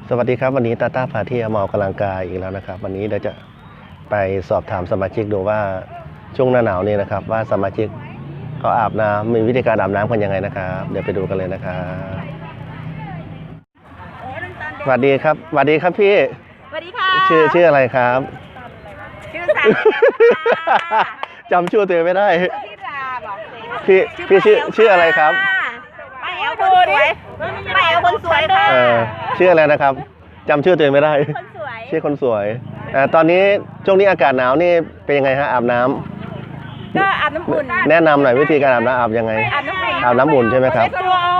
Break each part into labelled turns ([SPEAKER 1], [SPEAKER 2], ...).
[SPEAKER 1] สวัสดีครับวันนี้ตาต้าพาเที่ยวมาออกกำลังกายอีกแล้วนะครับวันนี้เดี๋ยวจะไปสอบถามสมาชิกดูว่าช่วงหน้าหนาวนี่นะครับว่าสมาชิกเขาอาบน้ำมีวิธีการอาบน้ำกันยังไงนะครับเดี๋ยวไปดูกันเลยนะครับสวัสดีครับสวัสดีครับพี่
[SPEAKER 2] สวัสดีค่ะ
[SPEAKER 1] ชื่ออะไรครับ
[SPEAKER 2] ชื่อสัน
[SPEAKER 1] จำชื่อตัวเองไม่ได้
[SPEAKER 2] พี่ลาบอก
[SPEAKER 1] พี่ชื่ออะไรครับ
[SPEAKER 2] ป้าแอลคนสวยป้าแอลคนสวยค่ะ
[SPEAKER 1] ชื่ออะไรนะครับจำชื่อตัวเองไม่ได้
[SPEAKER 2] คนสวย
[SPEAKER 1] ชื่อคนสวยตอนนี้ช่วงนี้อากาศหนาวนี่เป็นยังไงฮะอาบน้ำ
[SPEAKER 2] ก็อาบน้ำอุ่น
[SPEAKER 1] แนะนำหน่อยวิธีการอาบน้ำอาบยังไงอาบน้ำอุ่นใช่ไหมครับ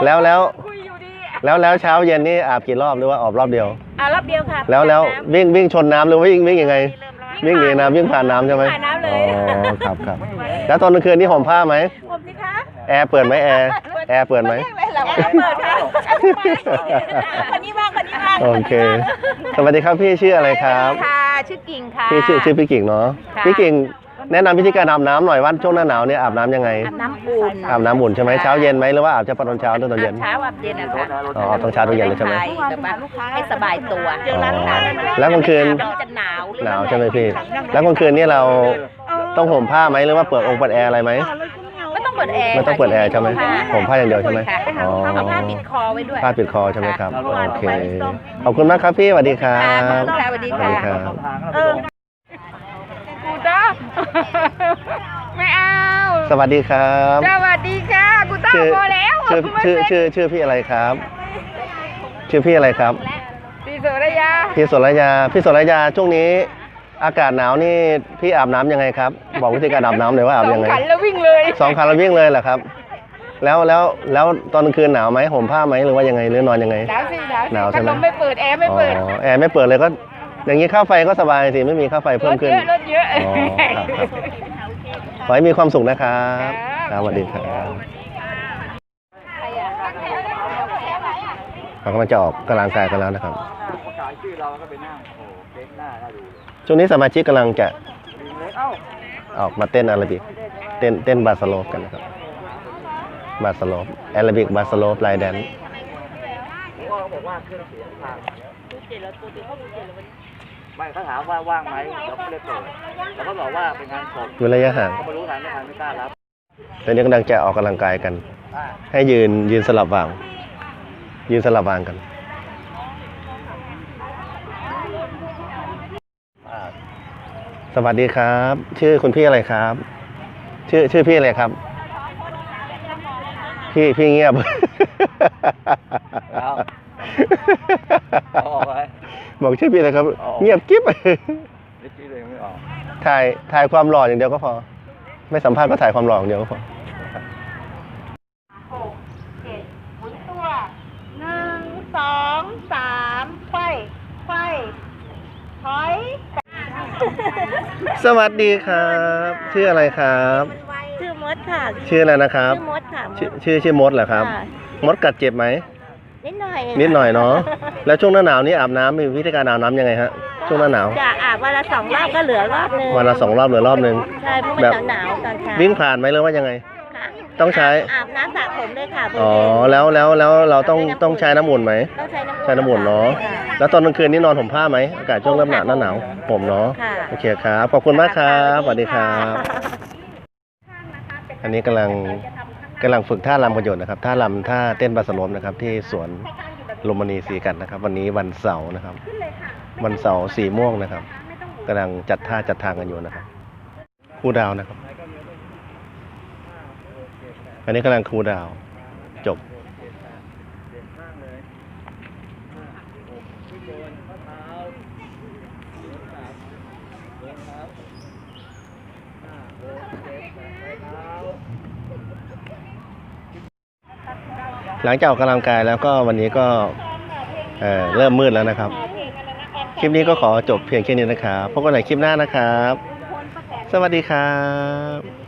[SPEAKER 1] แล้วเช้าเย็นนี่อาบกี่รอบหรือว่าออกรอบเดียว
[SPEAKER 2] รอบเดียวค่ะ
[SPEAKER 1] แล้ววิ่งชนน้ำหรือวิ่งยังไงวิ่งหนีน้ำวิ่งผ่านน้ำใช่ไหม
[SPEAKER 2] ผ่านน้ำเลย
[SPEAKER 1] ครับแล้วตอนกลางคืนนี่ห่มผ้าไหม
[SPEAKER 2] ห่มสิคะ
[SPEAKER 1] แอร์เปิดไหมแอร์เปิดไหม
[SPEAKER 2] เปิดค่ะคนนี้บ้าง
[SPEAKER 1] โอเคสวัสดีครับพี่ชื่ออะไรครับ
[SPEAKER 2] ค่ะชื่อกิ่งค่ะ
[SPEAKER 1] พี่ชื่อพี่กิ่งเนาะพี่กิ่งแนะนำวิธีการอาบน้ำหน่อยว่าช่วงหน้าหนาวเนี่ยอาบน้ำยังไง
[SPEAKER 2] อาบน้ำอุ่น
[SPEAKER 1] ใช่ไหมเช้าเย็นไหมหรือว่าอาบเฉพาะตอนเช้าหรือตอนเย็น
[SPEAKER 2] เช้าอาบเย็นนะคะ
[SPEAKER 1] ตอนเช้าตอนเย็นเลยใช่ไหม
[SPEAKER 2] ให้สบายตัว
[SPEAKER 1] แล้วกลางคืน
[SPEAKER 2] จะห
[SPEAKER 1] นาวใช่ไหมพี่แล้วกลางคืนนี่เราต้องห่มผ้าไหมหรือว่าเปิดแอร์อะไรไหม
[SPEAKER 2] ไม่ต้องเปิดแอร์
[SPEAKER 1] ใช่ไหมห่มผ้าอย่างเดียวใช่ไหม
[SPEAKER 2] เอาผ้าปิดคอไว้ด้วย
[SPEAKER 1] ผ้าปิดคอใช่ไหมครับโอเคขอบคุณมากครับพี่สวัสดีครับ
[SPEAKER 2] สวัสดีค่ะกูต้าไม่เอา
[SPEAKER 1] สวัสดีครับ
[SPEAKER 2] สวัสดีค่ะกูต้าพอแล้ว
[SPEAKER 1] ชื่อพี่อะไรครับชื่อพี่อะไรครับ
[SPEAKER 2] พี่โสระยา
[SPEAKER 1] พี่โสระยาช่วงนี้อากาศหนาวนี่พี่อาบน้ำยังไงครับบอกวิธีการอาบน้ำเลยว่าอาบยังไง
[SPEAKER 2] 2 ขันแล้ววิ่งเลย
[SPEAKER 1] 2 ขันแล้ววิ่งเลยเหรอครับแล้วตอนกลางคืนหนาวไหมห่มผ้าไหมหรือว่ายังไงหรือนอนยังไง
[SPEAKER 2] หนาวใช่ไหม
[SPEAKER 1] ไม่
[SPEAKER 2] เปิดแอร์ไม่เปิด
[SPEAKER 1] แอร์ไม่เปิดเลยก็อย่างนี้ค่าไฟก็สบายสิไม่มีค่าไฟเพิ่มขึ้น
[SPEAKER 2] รถเยอะ
[SPEAKER 1] ครับขอให้มีความสุขนะครับสวัสดีครับเรากำลังจะออกกำลังกายกันแล้วนะครับช่วงนี้สมาชิกกำลังจะออกมาเต้นอาราบิกเต้นบาสโลปกันนะครับบาสโลปอาราบิกบาสโลปไลน์แดน
[SPEAKER 3] ไม่เขาถามว่าว่างไหมเราก็เลยเปิดเราก็บอกว่าเป็นงานศพ
[SPEAKER 1] ระยะห่าง
[SPEAKER 3] เขาไม่รู้ทางไม่กล้ารับ
[SPEAKER 1] ตอนนี้กำลังจะออกกำลังกายกันให้ยืนสลับวางกันสวัสดีครับชื่อคุณพี่อะไรครับชื่อพี่อะไรครับพี่เงียบบอกชื่อพี่อะไรครับเงียบกิ๊บถ่ายความหล่ออย่างเดียวก็พอไม่สัมภาษณ์ก็ถ่ายความหล่ออย่างเดียวก็พอ
[SPEAKER 2] หมุนตัว1 2 3ไขว้ถอย
[SPEAKER 1] สวัสดีครับชื่ออะไรครับ
[SPEAKER 2] ชื่อมดค่ะ
[SPEAKER 1] ชื่ออะไรนะครับ
[SPEAKER 2] ชื่อมดค่ะ
[SPEAKER 1] ชื่อมดเหรอครับมดกัดเจ็บไหม
[SPEAKER 2] นิดหน่
[SPEAKER 1] อยเนาะแล้วช่วงหน้าหนาวนี้อาบน้ำมีวิธีการอาบน้ำยังไงฮะช่วงหน้าหนาว
[SPEAKER 2] จะอาบวันละ2 รอบก็เหลือรอบนึง
[SPEAKER 1] วันละ2 รอบเหลือรอบนึง
[SPEAKER 2] ใช่เพราะมันหนาวตอนเช้า
[SPEAKER 1] วิ่งผ่านไหมหรือว่ายังไงต้องใช้
[SPEAKER 2] อาบน้ำสระผมเลยค่ะ
[SPEAKER 1] แล้วเราต้องใช้น้ำอุ่นไหมใช้น้ำอุ่นเนาะแล้วตอนกลางคืนนี่นอนห่มผ้าไหมอากาศช่วงเริ่มหนาวผมเนาะโอเคครับขอบคุณมากครับสวัสดีครับอันนี้กำลังฝึกท่ารำกันอยู่นะครับท่าเต้นบาสโลปนะครับที่สวนลมณีศรีกันนะครับวันนี้วันเสาร์นะครับวันเสาร์สีม่วงนะครับกำลังจัดทางกันอยู่นะครับครูดาวนะครับอันนี้กำลังครูดาวจบหลังจากออกกำลังกายแล้วก็วันนี้ก็เริ่มมืดแล้วนะครับคลิปนี้ก็ขอจบเพียงแค่นี้นะครับพบกันใหม่คลิปหน้านะครับสวัสดีครับ